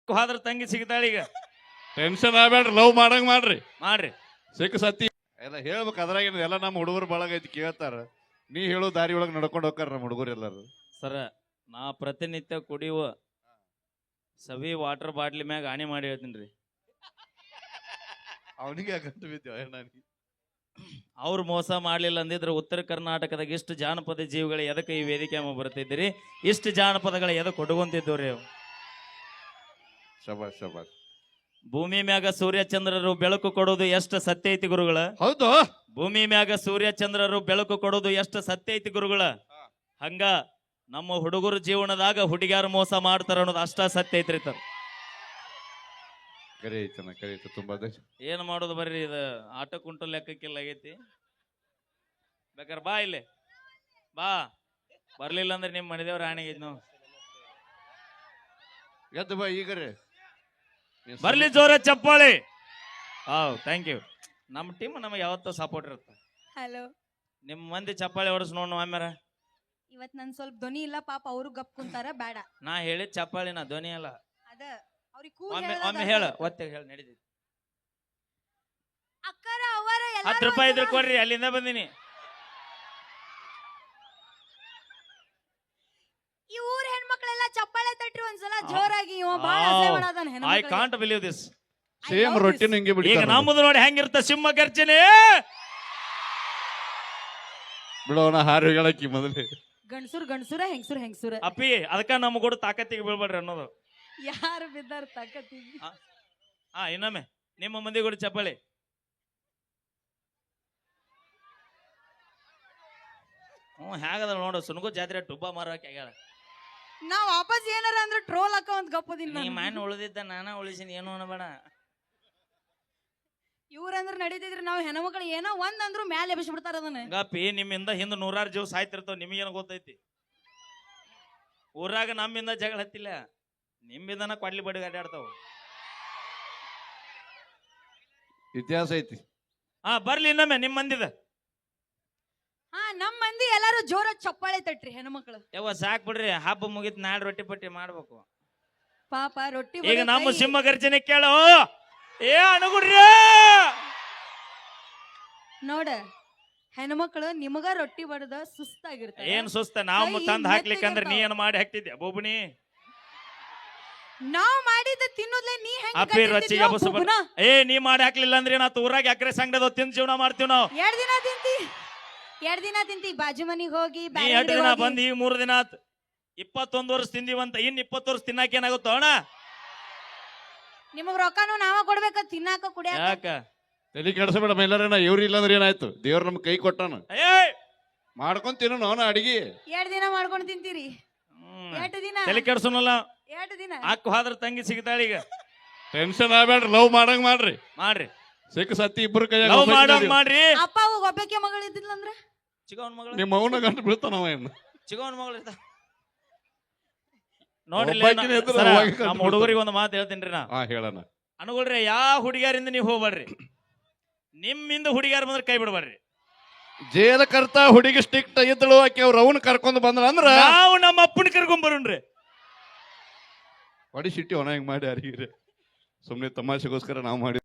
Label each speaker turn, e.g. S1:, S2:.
S1: ಹೋದ್ರ ತಂಗಿ ಸಿಗ್ತಾಳ ಈಗ.
S2: ಟೆನ್ಷನ್ ಆಗ್ಬೇಡ್ರಿ, ಲವ್ ಮಾಡಂಗ್ ಮಾಡ್ರಿ.
S1: ಮಾಡ್ರಿ
S2: ಸಿಕ್ಕ ಸತ್ತಿ ಎಲ್ಲ ಹೇಳ್ಬೇಕು. ಅದ್ರಾಗ ಎಲ್ಲ ನಮ್ಮ ಹುಡುಗರು ಬಳಗ ಐತಿ ಕೇಳ್ತಾರ. ನೀ ಹೇಳೋ ದಾರಿ ಒಳಗೆ ನಡ್ಕೊಂಡು ಹೋಗ್ತಾರ ನಮ್ಮ ಹುಡುಗರು ಎಲ್ಲಾರು.
S1: ಸರ, ನಾ ಪ್ರತಿನಿತ್ಯ ಕುಡಿಯುವ ಸವಿ ವಾಟರ್ ಬಾಟ್ಲಿ ಮ್ಯಾಗ ಹಾನಿ ಮಾಡಿ ಹೇಳ್ತೀನಿ ರೀ.
S2: ಅವನಿಗೆ ಗಂಟು ಬಿದ್ದೇವ.
S1: ಅವ್ರು ಮೋಸ ಮಾಡ್ಲಿಲ್ಲ ಅಂದಿದ್ರೆ ಉತ್ತರ ಕರ್ನಾಟಕದಾಗ ಇಷ್ಟು ಜಾನಪದ ಜೀವಿಗಳು ಎದಕ್ಕೆ ಈ ವೇದಿಕೆ ಬರ್ತಿದ್ದೀರಿ, ಇಷ್ಟು ಜಾನಪದಗಳ ಎದಕ್ಕೆ ಕೊಡುವಂತಿದ್ದವ್ರಿ.
S2: ಶಬಾಷ್ ಶಬಾಷ್.
S1: ಭೂಮಿ ಮ್ಯಾಗ ಸೂರ್ಯ ಚಂದ್ರರು ಬೆಳಕು ಕೊಡೋದು ಎಷ್ಟು ಸತ್ಯ ಐತಿ ಗುರುಗಳ.
S2: ಹೌದು,
S1: ಭೂಮಿ ಮ್ಯಾಗ ಸೂರ್ಯ ಚಂದ್ರರು ಬೆಳಕು ಕೊಡೋದು ಎಷ್ಟು ಸತ್ಯ ಐತಿ ಗುರುಗಳ. ಹಂಗ ನಮ್ಮ ಹುಡುಗರು ಜೀವನದಾಗ ಹುಡುಗಿಯಾರು ಮೋಸ ಮಾಡ್ತಾರ ಅನ್ನೋದು ಅಷ್ಟ ಸತ್ಯ ಐತ್ರಿ.
S2: ಕರೀತ ತುಂಬಾ
S1: ಏನ್ ಮಾಡೋದು ಬರ್ರಿ, ಇದು ಆಟ ಕುಂಟು ಲೆಕ್ಕಕ್ಕಿಲ್ಲ ಆಗೈತಿ. ಬೇಕಾರೆ ಬಾ ಇಲ್ಲಿ ಬಾ, ಬರ್ಲಿಲ್ಲ ಅಂದ್ರೆ ನಿಮ್ ಮನೆದೇವ್ರ ಆಣೆಗೈತಿ ನಾವು.
S2: ಎದ್ದು ಬಾ ಈಗರೇ
S1: ಬರ್ಲಿ ಜೋರ ಚಪ್ಪಾಳಿ. Thank you. ನಮ್ಮ ಟೀಮ್ ನಮಗೆ ಯಾವತ್ತೂ ಸಪೋರ್ಟ್ ಇರುತ್ತೆ.
S3: ಹಲೋ,
S1: ನಿಮ್ ಮಂದಿ ಚಪ್ಪಾಳಿ ಹೊಡಸ್ ನೋಡ್ ಆಮ್ಯಾರ.
S3: ಇವತ್ ನನ್ ಸ್ವಲ್ಪ ಧ್ವನಿ ಇಲ್ಲ, ಪಾಪ ಅವರು ಗಪ್ ಕುಂತಾರ, ಬೇಡ.
S1: ನಾ ಹೇಳಿದ ಚಪ್ಪಾಳಿ, ನಾ ಧ್ವನಿ ಅಲ್ಲ.
S3: ಅದ ಅವ್ರಿಗೆ
S1: ಒಮ್ಮೆ ಹೇಳ, ಒತ್ತೆ ಹೇಳ, ನಡೀತೈತಿ.
S3: ಅಕ್ಕರ ಅವರ
S1: 10 ರೂಪಾಯಿ ಇದ್ರೆ ಕೊಡ್ರಿ, ಅಲ್ಲಿಂದ ಬಂದಿನಿ.
S3: ಈ ಊರ್ ಹೆಣ್ಮಕ್ಳೆಲ್ಲ ಚಪ್ಪಾಳೆ ತಟ್ರಿ ಒಂದ್ಸಲ ಜೋರಾಗಿ. ಇವ ಬಾಳ ಅಸಹ್ಯ ಮಾಡಾದನ್
S1: ಐ
S3: ಹೆಣ್ಮಕ್ಳಿಗೆ.
S1: Can't believe this.
S2: ಸೇಮ್ ರೊಟ್ಟಿನ ಹಿಂಗೆ
S1: ಈಗ
S2: ಬಿಡ್ತಾರ
S1: ನಮ್ಮದು ನೋಡಿ ಹೆಂಗಿರ್ತ ಸಿಂಹ ಗರ್ಜನೆ.
S2: ಬಿಡೋಣ ಹಾರು ಹೇಳಕ್ಕಿ ಮೊದಲೇ.
S3: ಗಂಡ್ಸುರ್ ಗಂಡ್ಸುರ, ಹೆಂಗ್ಸುರ್ ಹೆಂಗ್ಸುರ.
S1: ಅಪ್ಪಿ ಅದಕ್ಕ ನಮ್ಮ ಕೂಡ ತಾಕತ್ತಿಗೆ ಬೀಳ್ಬೇಡ್ರಿ ಅನ್ನೋದು.
S3: ಯಾರು ಬಿದ್ದಾರ ತಾಕತ್ತಿಗೆ.
S1: ಇನ್ನೊಮ್ಮೆ ನಿಮ್ಮ ಮಂದಿ ಕೂಡ ಚಪ್ಪಾಳಿ. ಹೇಗದ ನೋಡು, ಸುನಗು ಜಾತ್ರೆ ಟುಬ್ಬ ಮಾರಕ್ಕೆ ಆಗ್ಯಾಳ.
S3: ನಾ ವಾಪಸ್ ಏನಾರ ಅಂದ್ರೆ ಟ್ರೋಲ್ ಹಾಕ ಒಂದ್ ಗಪ್ಪದಿಲ್ಲ.
S1: ನೀ ಮಣ್ಣು ಉಳಿದಿದ್ದ ನಾನ ಉಳಿಸಿನ, ಏನು ಅನ್ನಬೇಡ.
S3: ಇವ್ರಂದ್ರ ನಡೀತಿದ್ರಿ, ನಾವ್ ಹೆಣ್ಮಕ್ಳು ಏನೋ ಒಂದ್ ಅಂದ್ರು ಮ್ಯಾಲೆ ಎಬ್ಬಿಸ್ಬಿಡ್ತಾರ ಅದನ್ನ.
S1: ಗಪ್ಪಿ ನಿಮ್ಮಿಂದ ಹಿಂದ 100 ಜೀವ ಸಾಯ್ತಿರ್ತಾವ, ನಿಮಗೇನು ಗೊತ್ತೈತಿ. ಊರಾಗ ನಮ್ಮಿಂದ ಜಗಳ ಹತ್ತಿಲ್ಲ, ನಿಮ್ಮಿಂದನ ಕೊಡ್ಲಿ ಬಡಿ ಅಡ್ಡಾಡ್ತಾವ.
S2: ಇತಿಹಾಸ ಐತಿ.
S1: ಬರ್ಲಿ ಇನ್ನೊಮ್ಮೆ ನಿಮ್ ಮಂದಿದ.
S3: ನಮ್ ಮಂದಿ ಎಲ್ಲಾರು ಜೋರ ಚಪ್ಪಾಳೆ ತಟ್ರಿ ಹೆಣ್ಮಕ್ಳು.
S1: ಯಾವ ಸಾಕ್ ಬಿಡ್ರಿ, ಹಬ್ಬ ಮುಗಿತ್ ನಾಡ್ ರೊಟ್ಟಿ ಪಟ್ಟಿ ಮಾಡ್ಬೇಕು.
S3: ಪಾಪ ರೊಟ್ಟಿ
S1: ಈಗ ನಮ್ಮ ಸಿಂಹ ಗರ್ಜನೆ ಕೇಳೋ. ಅನುಗುಡ್ರಿ
S3: ನೋಡ, ಹೆಣ್ಮಕ್ಳು ನಿಮಗ ರೊಟ್ಟಿ ಬಡದ ಸುಸ್ತಾಗಿರ್ತಾರೆ.
S1: ಏನ್ ಸುಸ್ತ, ನಾವು ತಂದ್ ಹಾಕ್ಲಿಕ್ಕಂದ್ರ ನೀ ಏನ್ ಮಾಡಿ ಹಾಕ್ತಿದ್ಯ ಬೋಬುಣಿ.
S3: ನಾವ್ ಮಾಡಿದ ತಿನ್ನೋದ್ಲೆ ನೀ ಹೆಂಗ್
S1: ಅಪ್ಪಿ ರೊಚ್ಚಿಗೆ ನೀ ಮಾಡಿ ಹಾಕ್ಲಿಲ್ಲ ಅಂದ್ರೆ ನಾ ಊರಾಗ ಎಕರೆ ಸಂಗಡ ತಿಂದ್ ಜೀವನ ಮಾಡ್ತೀವಿ ನಾವು.
S3: 2 ದಿನ ತಿಂತಿ ಬಾಜು ಮನಿಗ್ ಹೋಗಿ.
S1: 2 ದಿನ ಬಂದ್ ಈಗ 3 ದಿನ ಆತ್. 21 ವರ್ಷ ತಿಂದಿವಂತ, ಇನ್ 20 ವರ್ಷ ತಿನ್ನಾಕ ಏನಾಗುತ್ತೋ ಅಣ್ಣ.
S3: ನಿಮಗ್ ರೊಕ್ಕನು ನಾವ ಕೊಡ್ಬೇಕ, ತಿನ್ನಾಕ ಕುಡಿಯಾಕ.
S1: ಯಾಕ
S2: ತಲೆ ಕೆಡ್ಸಬೇಡ ಮೈಲಾರಣ್ಣ. ಇವ್ರು ಇಲ್ಲಾಂದ್ರೆ ಏನಾಯ್ತು, ದೇವ್ರ ನಮ್ ಕೈ ಕೊಟ್ಟಾನ. ಮಾಡ್ಕೊಂಡ್ ತಿನ್ನೋಣ ಅವನ ಅಡಿಗೆ.
S3: 2 ದಿನ ಮಾಡ್ಕೊಂಡ್ ತಿಂತೀರಿ. 2 ದಿನ
S1: ತಲೆ ಕೆಡ್ಸೋನಲ್ಲ.
S3: 2 ದಿನ
S1: ಅಕ್ಕ ಹೋದ್ರ ತಂಗಿ ಸಿಗ್ತಾಳ ಈಗ.
S2: ಟೆನ್ಷನ್ ಆಗ್ಬೇಡ್ರಿ, ಲವ್ ಮಾಡಂಗ್ ಮಾಡ್ರಿ.
S1: ಮಾಡ್ರಿ
S2: ಸಿಕ್ಕ ಸತ್ತಿ ಇಬ್ರು ಕೈ
S1: ಲವ್ ಮಾಡಂಗ್ ಮಾಡ್ರಿ.
S3: ಅಪ್ಪ ಅವಾಗ ಒಬ್ಬಕ್ಕೆ ಮಗಳು ಇದ್ದಿಲ್ಲ ಅಂದ್ರೆ
S1: ಚಿಗವನ್ ಮಗಳು,
S2: ನಿಮ್ಮ ಅವನ ಗಂಟು ಬೀಳ್ತಾನವ ಏನು.
S1: ಚಿಗವನ್ ಮಗಳು ಇರ್ತ ನೋಡ್ರಿ.
S2: ಒಬ್ಬಾಕಿನೇ ಇದ್ರೆ
S1: ಸರ,
S2: ಅವಾಗ
S1: ನಮ್ಮ ಹುಡುಗರಿಗೆ ಒಂದು ಮಾತು ಹೇಳ್ತೀನಿ ನಾ.
S2: ಹೇಳಣ
S1: ಅನುಗುಳ್ರಿ, ಯಾವ ಹುಡುಗಿಯರಿಂದ ನೀವು ಹೋಗ್ಬೇಡ್ರಿ. ನಿಮ್ಮಿಂದ ಹುಡುಗಿಯಾರ ಬಂದ್ರೆ ಕೈ ಬಿಡಬೇಡ್ರಿ.
S2: ಜೇಲ ಕರ್ತ ಹುಡುಗಿ ಸ್ಟಿಕ್ಟ್ ಇದ್ದಳು, ಆಕೆ ಅವ್ರ ಅವನ್ ಕರ್ಕೊಂಡ್ ಬಂದ್ರ ಅಂದ್ರ
S1: ನಾವು ನಮ್ಮ ಅಪ್ಪನ ಕರ್ಕೊಂಡ್ ಬರೋಣ್ರಿ.
S2: ಹೊಡಿ ಸಿಟ್ಟಿ ಒಣ ಹಿಂಗ್ ಮಾಡಿ ಅರಿಗಿರಿ. ಸುಮ್ನೆ ತಮಾಷೆಗೋಸ್ಕರ ನಾವು ಮಾಡಿ